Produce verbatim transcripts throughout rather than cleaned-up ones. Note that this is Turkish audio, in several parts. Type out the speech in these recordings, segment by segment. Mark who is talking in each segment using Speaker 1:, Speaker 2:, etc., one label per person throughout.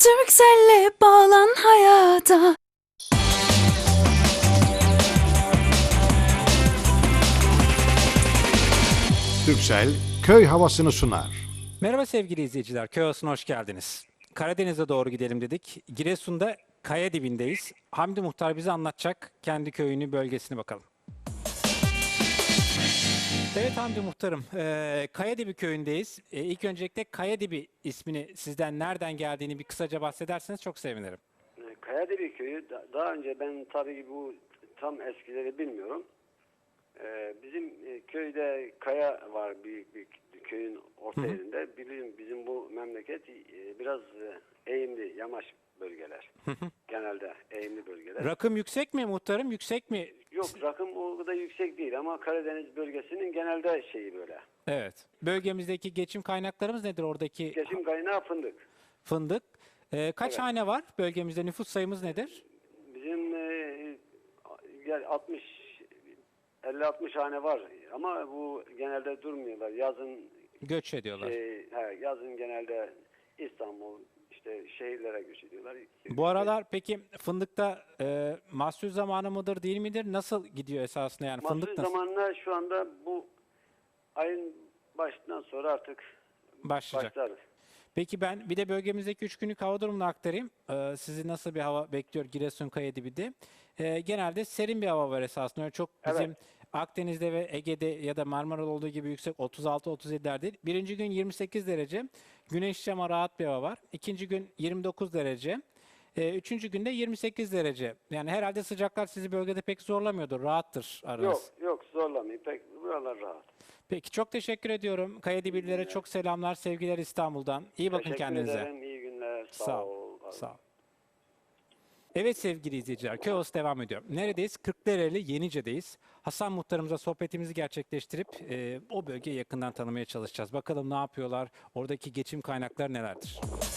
Speaker 1: Turkcell'le bağlan hayata.
Speaker 2: Turkcell köy havasını sunar.
Speaker 3: Merhaba sevgili izleyiciler, köy havasına hoş geldiniz. Karadeniz'e doğru gidelim dedik. Giresun'da kaya dibindeyiz. Hamdi Muhtar bize anlatacak kendi köyünü, bölgesini bakalım. Evet Hamdi Muhtarım, e, Kayadibi köyündeyiz. E, ilk öncelikle Kayadibi ismini sizden nereden geldiğini bir kısaca bahsederseniz çok sevinirim.
Speaker 4: Kayadibi köyü da- daha önce ben tabii bu tam eskileri bilmiyorum. Ee, bizim e, köyde kaya var, büyük bir köyün orta
Speaker 3: Hı hı.
Speaker 4: yerinde. Bizim, bizim bu memleket e, biraz e, eğimli, yamaç bölgeler. Genelde eğimli bölgeler.
Speaker 3: Rakım yüksek mi Muhtarım, yüksek mi?
Speaker 4: Yok, rakım o kadar yüksek değil ama Karadeniz bölgesinin genelde şeyi böyle.
Speaker 3: Evet. Bölgemizdeki geçim kaynaklarımız nedir oradaki?
Speaker 4: Geçim kaynağı fındık.
Speaker 3: Fındık. E, kaç
Speaker 4: Evet.
Speaker 3: hane var bölgemizde, nüfus sayımız nedir?
Speaker 4: Bizim e, yani altmış elli altmış hane var ama bu genelde durmuyorlar. Yazın
Speaker 3: Göç ediyorlar.
Speaker 4: Şey, he, yazın genelde İstanbul, işte şehirlere göç ediyorlar.
Speaker 3: Bu aralar peki fındıkta e, mahsul zamanı mıdır değil midir? Nasıl gidiyor esasında yani
Speaker 4: Mahsul
Speaker 3: fındık nasıl
Speaker 4: zamanla şu anda bu ayın başından sonra artık
Speaker 3: başlayacak?
Speaker 4: başlar.
Speaker 3: Peki ben bir de bölgemizdeki üç günlük hava durumunu aktarayım. E, sizi nasıl bir hava bekliyor Giresun Kayadibi'de? E, genelde serin bir hava var esasında. Öyle çok bizim
Speaker 4: Evet.
Speaker 3: Akdeniz'de ve Ege'de ya da Marmara'da olduğu gibi yüksek otuz altı otuz yediler değil. Birinci gün yirmi sekiz derece. Güneşli ama rahat bir hava var. İkinci gün yirmi dokuz derece. E, üçüncü günde yirmi sekiz derece. Yani herhalde sıcaklar sizi bölgede pek zorlamıyordur. Rahattır aranız.
Speaker 4: Yok, yok zorlamayın. Pek buralar rahat.
Speaker 3: Peki çok teşekkür ediyorum. Kayadibililere çok selamlar, sevgiler İstanbul'dan. İyi bakın
Speaker 4: Teşekkür
Speaker 3: kendinize.
Speaker 4: ederim. İyi günler. Sağ,
Speaker 3: Sağ ol.
Speaker 4: ol.
Speaker 3: Sağ ol. Evet sevgili izleyiciler, Köy Havası devam ediyor. Neredeyiz? Kırklareli Yenice'deyiz. Hasan Muhtarımıza sohbetimizi gerçekleştirip e, o bölgeyi yakından tanımaya çalışacağız. Bakalım ne yapıyorlar, oradaki geçim kaynakları nelerdir?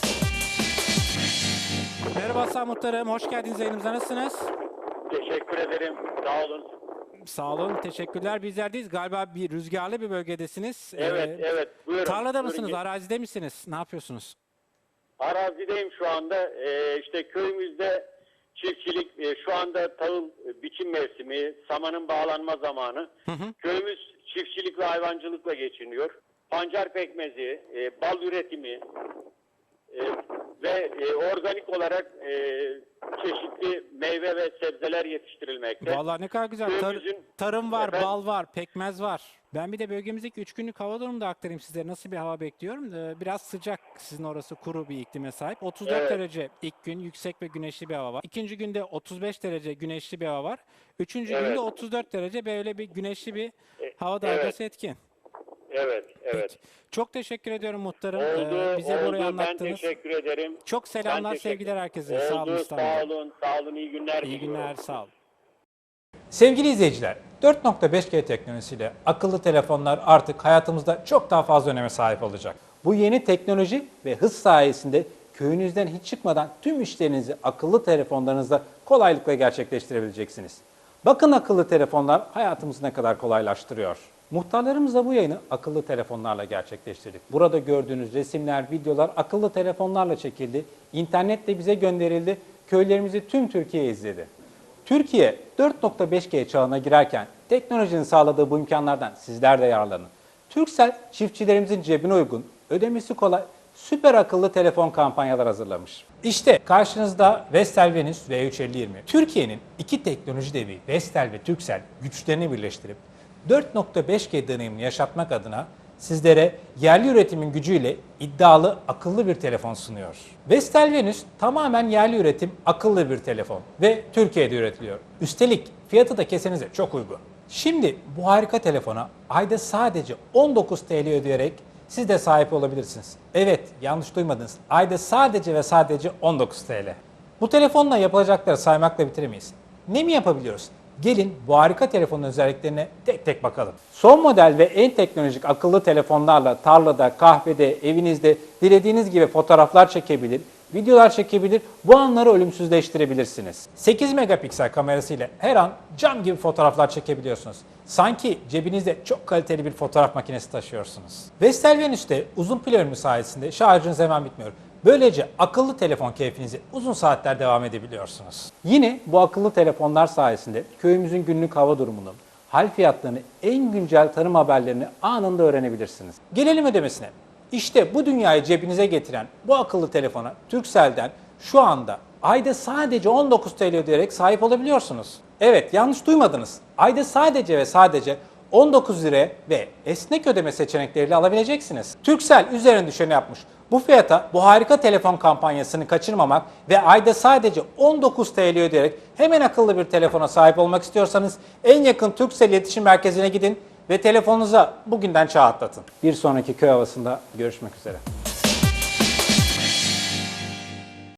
Speaker 3: Merhaba Hasan Muhtarım, hoş geldiniz yayınımıza. Nasılsınız?
Speaker 5: Teşekkür ederim. Sağ olun.
Speaker 3: Sağ olun, teşekkürler. Bizlerdeyiz. Galiba bir rüzgarlı bir bölgedesiniz.
Speaker 5: Evet,
Speaker 3: Ee,
Speaker 5: evet. Buyurun.
Speaker 3: Tarlada
Speaker 5: Buyurun.
Speaker 3: mısınız, arazide misiniz? Ne yapıyorsunuz?
Speaker 5: Arazideyim şu anda. Ee, işte köyümüzde çiftçilik, e, şu anda tahıl e, biçim mevsimi, samanın bağlanma zamanı.
Speaker 3: Hı hı.
Speaker 5: Köyümüz çiftçilik ve hayvancılıkla geçiniyor. Pancar pekmezi, e, bal üretimi e, ve e, organik olarak e, çeşitli meyve ve sebzeler yetiştirilmekte.
Speaker 3: Vallahi ne kadar güzel. Tar-
Speaker 5: Köyümüzün-
Speaker 3: tarım var,
Speaker 5: Efendim?
Speaker 3: bal var, pekmez var. Ben bir de bölgemizdeki üç günlük hava durumunu da aktarayım size. Nasıl bir hava bekliyorum? Ee, biraz sıcak. Sizin orası kuru bir iklime sahip. otuz dört
Speaker 5: Evet.
Speaker 3: derece ilk gün yüksek ve güneşli bir hava var. İkinci günde otuz beş derece güneşli bir hava var. Üçüncü
Speaker 5: Evet.
Speaker 3: günde otuz dört derece böyle bir güneşli bir
Speaker 5: E,
Speaker 3: hava
Speaker 5: evet.
Speaker 3: dalgası etkin.
Speaker 5: Evet, evet.
Speaker 3: Peki. Çok teşekkür ediyorum muhtarım.
Speaker 5: Oldu,
Speaker 3: Ee, bize
Speaker 5: oldu.
Speaker 3: burayı
Speaker 5: Ben
Speaker 3: anlattınız.
Speaker 5: teşekkür ederim.
Speaker 3: Çok selamlar,
Speaker 5: Ben teşekkür-
Speaker 3: sevgiler herkese.
Speaker 5: Oldu,
Speaker 3: Sağ olun İstanbul'da.
Speaker 5: sağ olun, sağ olun. İyi günler
Speaker 3: İyi
Speaker 5: diliyorum.
Speaker 3: günler, sağ olun. Sevgili izleyiciler, dört nokta beş G teknolojisiyle akıllı telefonlar artık hayatımızda çok daha fazla öneme sahip olacak. Bu yeni teknoloji ve hız sayesinde köyünüzden hiç çıkmadan tüm işlerinizi akıllı telefonlarınızda kolaylıkla gerçekleştirebileceksiniz. Bakın akıllı telefonlar hayatımızı ne kadar kolaylaştırıyor. Muhtarlarımızla bu yayını akıllı telefonlarla gerçekleştirdik. Burada gördüğünüz resimler, videolar akıllı telefonlarla çekildi. İnternetle bize gönderildi. Köylerimizi tüm Türkiye izledi. Türkiye dört nokta beş G çağına girerken teknolojinin sağladığı bu imkanlardan sizler de yararlanın. Turkcell çiftçilerimizin cebine uygun, ödemesi kolay, süper akıllı telefon kampanyalar hazırlamış. İşte karşınızda Vestel Venus V üç elli yirmi. Türkiye'nin iki teknoloji devi Vestel ve Turkcell güçlerini birleştirip dört nokta beş G deneyimini yaşatmak adına sizlere yerli üretimin gücüyle iddialı akıllı bir telefon sunuyor. Vestel Venus tamamen yerli üretim akıllı bir telefon ve Türkiye'de üretiliyor. Üstelik fiyatı da kesenize çok uygun. Şimdi bu harika telefona ayda sadece on dokuz TL ödeyerek siz de sahip olabilirsiniz. Evet, yanlış duymadınız. Ayda sadece ve sadece on dokuz TL. Bu telefonla yapılacakları saymakla bitiremeyiz. Ne mi yapabiliyoruz? Gelin bu harika telefonun özelliklerine tek tek bakalım. Son model ve en teknolojik akıllı telefonlarla tarlada, kahvede, evinizde dilediğiniz gibi fotoğraflar çekebilir, videolar çekebilir, bu anları ölümsüzleştirebilirsiniz. sekiz megapiksel kamerasıyla her an cam gibi fotoğraflar çekebiliyorsunuz. Sanki cebinizde çok kaliteli bir fotoğraf makinesi taşıyorsunuz. Vestel Venus'te uzun pil ömrü sayesinde şarjınız hemen bitmiyor. Böylece akıllı telefon keyfinizi uzun saatler devam edebiliyorsunuz. Yine bu akıllı telefonlar sayesinde köyümüzün günlük hava durumunu, hal fiyatlarını, en güncel tarım haberlerini anında öğrenebilirsiniz. Gelelim ödemesine. İşte bu dünyayı cebinize getiren bu akıllı telefona Turkcell'den şu anda ayda sadece on dokuz T L ödeyerek sahip olabiliyorsunuz. Evet, yanlış duymadınız. Ayda sadece ve sadece on dokuz liraya ve esnek ödeme seçenekleriyle alabileceksiniz. Turkcell üzerine düşeni yapmış. Bu fiyata bu harika telefon kampanyasını kaçırmamak ve ayda sadece on dokuz T L ödeyerek hemen akıllı bir telefona sahip olmak istiyorsanız en yakın Turkcell iletişim merkezine gidin ve telefonunuza bugünden çağ atlatın. Bir sonraki köy havasında görüşmek üzere.